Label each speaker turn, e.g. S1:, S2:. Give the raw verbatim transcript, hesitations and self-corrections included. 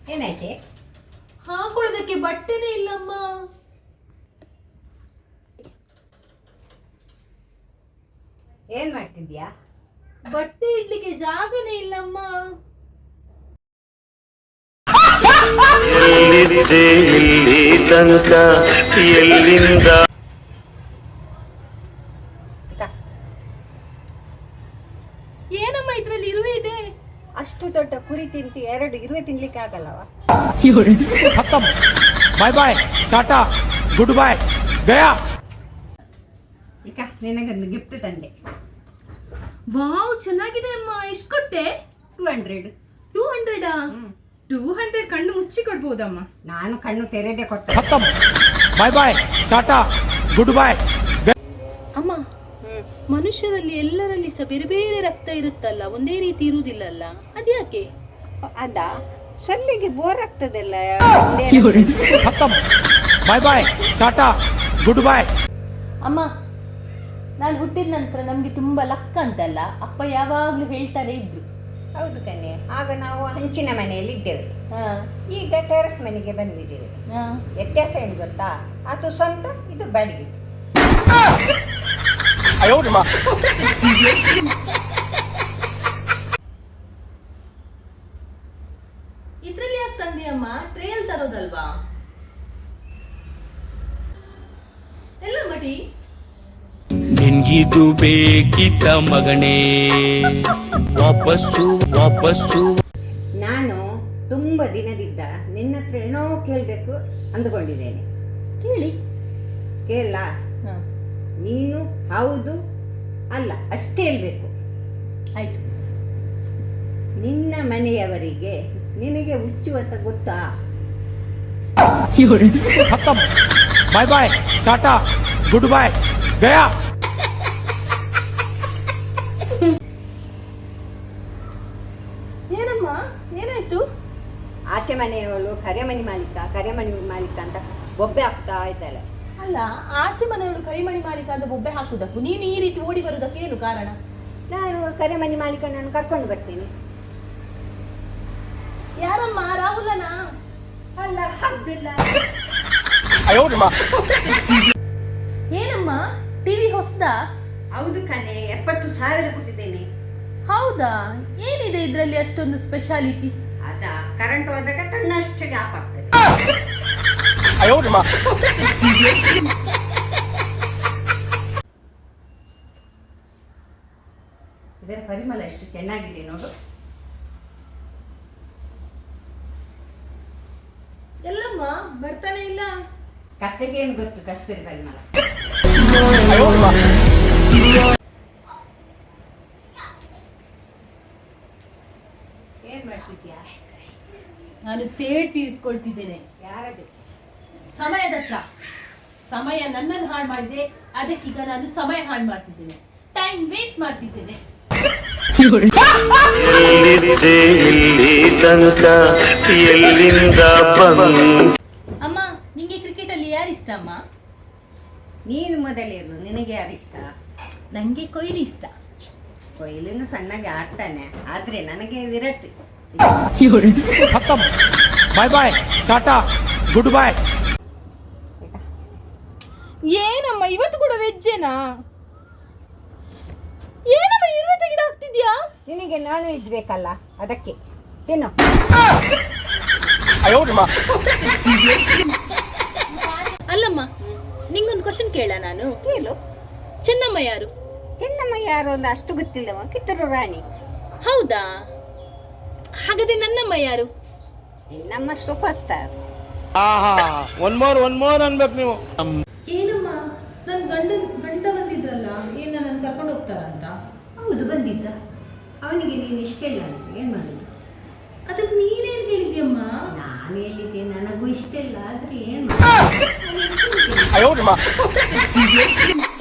S1: ಏನಾಯ್ತೆ?
S2: ಹಾಕೊಳ್ಳೋದಕ್ಕೆ ಬಟ್ಟೆನೇ ಇಲ್ಲಮ್ಮ.
S1: ಏನ್ ಮಾಡ್ತಿದ್ಯಾ?
S2: ಬಟ್ಟೆ ಇಡ್ಲಿಕ್ಕೆ ಜಾಗನೇ ಇಲ್ಲಮ್ಮ.
S3: ಎಲ್ಲಿದ್ದೆ ಇಲ್ಲಿ ತನಕ ಎಲ್ಲಿಂದ?
S2: ಏನಮ್ಮ ಇದ್ರಲ್ಲಿ ಇರುವೆ ಇದೆ?
S1: ಅಷ್ಟು ದೊಡ್ಡ ಕುರಿ ತಿಂತು ಎರಡು ಇರುವೆ ತಿನ್ಲಿಕ್ಕೆ ಆಗಲ್ಲವ.
S4: Bye bye ta-ta goodbye ಗಯಾ.
S1: ಈಗ ನಿನಗೊಂದು ಗಿಫ್ಟ್ ತಂದೆ.
S2: ವಾವ್, ಚೆನ್ನಾಗಿದೆ ಅಮ್ಮ. ಎಷ್ಟು ಕೊಟ್ಟೆ?
S1: Two hundred.
S2: ಟೂ ಹಂಡ್ರೆಡಾ? ಟೂ ಹಂಡ್ರೆಡ್ ಕಣ್ಣು ಮುಚ್ಚಿ ಕೊಡ್ಬೋದಮ್ಮ.
S1: ನಾನು ಕಣ್ಣು ತೆರೆದೇ ಕೊಟ್ಟೆ.
S4: Bye bye ta-ta goodbye.
S2: ಅಮ್ಮ, ಮನುಷ್ಯರಲ್ಲಿ ಎಲ್ಲರಲ್ಲಿ ಸಹ ಬೇರೆ ಬೇರೆ ರಕ್ತ ಇರುತ್ತಲ್ಲ, ಒಂದೇ ರೀತಿ ಇರುವುದಿಲ್ಲಲ್ಲ, ಅದ್ಯಾಕೆ?
S1: ಅದ ಸಲ್ಲಿಗೆ ಬೋರ್ ಆಗ್ತದಲ್ಲ.
S4: Bye bye ta-ta goodbye.
S2: ಅಮ್ಮ, ನಾನು ಹುಟ್ಟಿದ ನಂತರ ನಮ್ಗೆ ತುಂಬಾ ಲಕ್ಕ ಅಂತಲ್ಲ ಅಪ್ಪ ಯಾವಾಗ್ಲೂ ಹೇಳ್ತಾನೆ ಇದ್ರು.
S1: ಹೌದು ಕಣೆ, ಆಗ ನಾವು ಹಂಚಿನ ಮನೆಯಲ್ಲಿ ಇದ್ದೇವೆ,
S2: ಹಾ
S1: ಈಗ ಟೆರಸ್ ಮನೆಗೆ ಬಂದಿದ್ದೇವೆ.
S2: ಹಾ
S1: ವ್ಯತ್ಯಾಸ ಏನು ಗೊತ್ತಾ? ಅದು ಸ್ವಂತ, ಇದು ಬಾಡಿಗೆ.
S2: ಇದ್ರಲ್ಲಿ ಯಾಕೆ ತಂದಿಯಮ್ಮ? ಟ್ರೇಲ್ ತರೋದಲ್ವಾ? ಎಲ್ಲ ಮಟಿ
S5: ನಿನ್ಗಿದು ಬೇಕಿತ್ತ ಮಗನೇ? ವಾಪಸ್ಸು ವಾಪಸ್ಸು.
S1: ನಾನು ತುಂಬ ದಿನದಿಂದ ನಿನ್ನ ಹತ್ರ ಏನೋ ಕೇಳಬೇಕು ಅಂದುಕೊಂಡಿದ್ದೇನೆ.
S2: ಕೇಳಿ.
S1: ಕೇಳ? ನೀನು ಹೌದು ಅಲ್ಲ ಅಷ್ಟೇ ಹೇಳ್ಬೇಕು.
S2: ಆಯ್ತು.
S1: ನಿನ್ನ ಮನೆಯವರಿಗೆ ನಿನಗೆ ಹುಚ್ಚು ಅಂತ ಗೊತ್ತಾ?
S4: Bye bye ta-ta goodbye ಗಯಾ.
S2: ಏನಮ್ಮ, ಏನಾಯ್ತು?
S1: ಆಚೆ ಮನೆಯವಳು ಕರೆಮಣಿ ಮಾಲೀಕ ಕರೆಮಣಿ ಮಾಲೀಕ ಅಂತ ಬೊಬ್ಬೆ ಹಾಕ್ತಾ ಇದ್ದಾಳೆ.
S2: ಅಲ್ಲ, ಆಚೆ ಮನೆಯವಳು ಕೈಮಣಿ ಮಾಲೀಕ ಅಂತ ಬೊಬ್ಬೆ ಹಾಕುದಕ್ಕೂ ನೀನು ಈ ರೀತಿ ಓಡಿ ಬರುವುದಕ್ಕೆ ಏನು ಕಾರಣ?
S1: ನಾನು ಕರೆಮಣಿ ಮಾಲೀಕ ನಾನು ಕರ್ಕೊಂಡು ಬರ್ತೀನಿ.
S2: ಯಾರಮ್ಮ? ರಾಹುಲನಾ?
S1: ಅಲ್ಲ, ಹೌದಿಲ್ಲ.
S2: ಏನಮ್ಮ, ಟಿವಿ ಹೊಸದಾ?
S1: ಹೌದು ಕಣೆ, ಎಪ್ಪತ್ತು ಸಾವಿರ ಕೊಟ್ಟಿದ್ದೇನೆ.
S2: ಹೌದಾ? ಏನಿದೆ ಇದರಲ್ಲಿ ಅಷ್ಟೊಂದು ಸ್ಪೆಷಾಲಿಟಿ?
S1: ಅದ ಕರೆಂಟ್ ಹೋದಾಗ ತನ್ನಷ್ಟಕ್ಕೆ ಆಫ್ ಆಗ್ತದೆ. ಇದರ ಪರಿಮಳ ಎಷ್ಟು ಚೆನ್ನಾಗಿದೆ ನೋಡು.
S2: ಎಲ್ಲಮ್ಮ ಬರ್ತಾನೆ ಇಲ್ಲ?
S1: ಕತ್ತೆಗೆ ಏನು ಗೊತ್ತು ಕಸ್ತೂರಿ ಪರಿಮಳ. ಏನ್ ಮಾಡ್ತಿದ್ಯಾ?
S2: ನಾನು ಸೇಡ್ ತೀರಿಸ್ಕೊಳ್ತಿದ್ದೇನೆ.
S1: ಯಾರದು?
S2: ಸಮಯದ ಹತ್ರ. ಸಮಯ ನನ್ನನ್ನು ಹಾಳು ಮಾಡಿದೆ, ಅದಕ್ಕೀಗ ನಾನು ಸಮಯ ಹಾಳು ಮಾಡ್ತಿದ್ದೇನೆ, ಟೈಮ್ ವೇಸ್ಟ್ ಮಾಡ್ತಿದ್ದೇನೆ.
S3: ಎಲ್ಲಿದ್ದೆ ಇಲ್ಲಿ ತನಕ ಎಲ್ಲಿಂದ ಬಂದ?
S2: ಅಮ್ಮ, ನಿಂಗೆ ಕ್ರಿಕೆಟ್ ಅಲ್ಲಿ ಯಾರು ಇಷ್ಟ ಅಮ್ಮ?
S1: ನೀನು ಮೊದಲಿರು, ನಿನಗೆ ಯಾರು ಇಷ್ಟ?
S2: ನಂಗೆ ಕೊಹ್ಲಿ ಇಷ್ಟ.
S1: ಕೊಹ್ಲಿನು ಸಣ್ಣಗೆ ಆಡ್ತಾನೆ, ಆದ್ರೆ ನನಗೆ Virat.
S4: Bye bye ta-ta goodbye.
S2: ಏನಮ್ಮ ಇವತ್ತು ಕೂಡ ವೆಜ್ಜೇನಾ? ಏನಮ್ಮ ಇರುವೆ ತೆಗೆದು ಹಾಕ್ತಿದ್ಯಾ?
S1: ನಿನಗೆ ನಾನು ಇದ್ಬೇಕಲ್ಲ, ಅದಕ್ಕೆ ತಿನ್ನು.
S2: ಅಲ್ಲಮ್ಮ, ನಿಂಗೊಂದು ಕ್ವಶನ್ ಕೇಳ ನಾನು?
S1: ಕೇಳು.
S2: ಚೆನ್ನಮ್ಮ ಯಾರು?
S1: ಚೆನ್ನಮ್ಮ ಯಾರು ಅಂತ ಅಷ್ಟು ಗೊತ್ತಿಲ್ಲವ, ಕಿತ್ತೂರು ರಾಣಿ.
S2: ಹೌದಾ? ಹಾಗಾದ್ರೆ ನನ್ನಮ್ಮ ಯಾರು?
S1: ನಮ್ಮ super star.
S4: One more one more ಅನ್ಬೇಕು ನೀವು.
S2: ಏನಮ್ಮ, ನನ್ನ ಗಂಡ ಗಂಡ ಬಂದಿದ್ರಲ್ಲ, ಏನ ನನ್ನ ಕರ್ಕೊಂಡು ಹೋಗ್ತಾರಂತ?
S1: ಹೌದು, ಬಂದಿದ್ದ. ಅವನಿಗೆ ನೀನು ಇಷ್ಟ ಇಲ್ಲ ಅಂತ ಏನ್ ಮಾಡುದು?
S2: ಅದಕ್ಕೆ ನೀನೇನ್ ಹೇಳಿದ್ಯಮ್ಮ?
S1: ನಾನು ಹೇಳಿದ್ದೆ ನನಗೂ ಇಷ್ಟ ಇಲ್ಲ, ಆದ್ರೆ ಏನ್
S4: ಅಯ್ಯೋ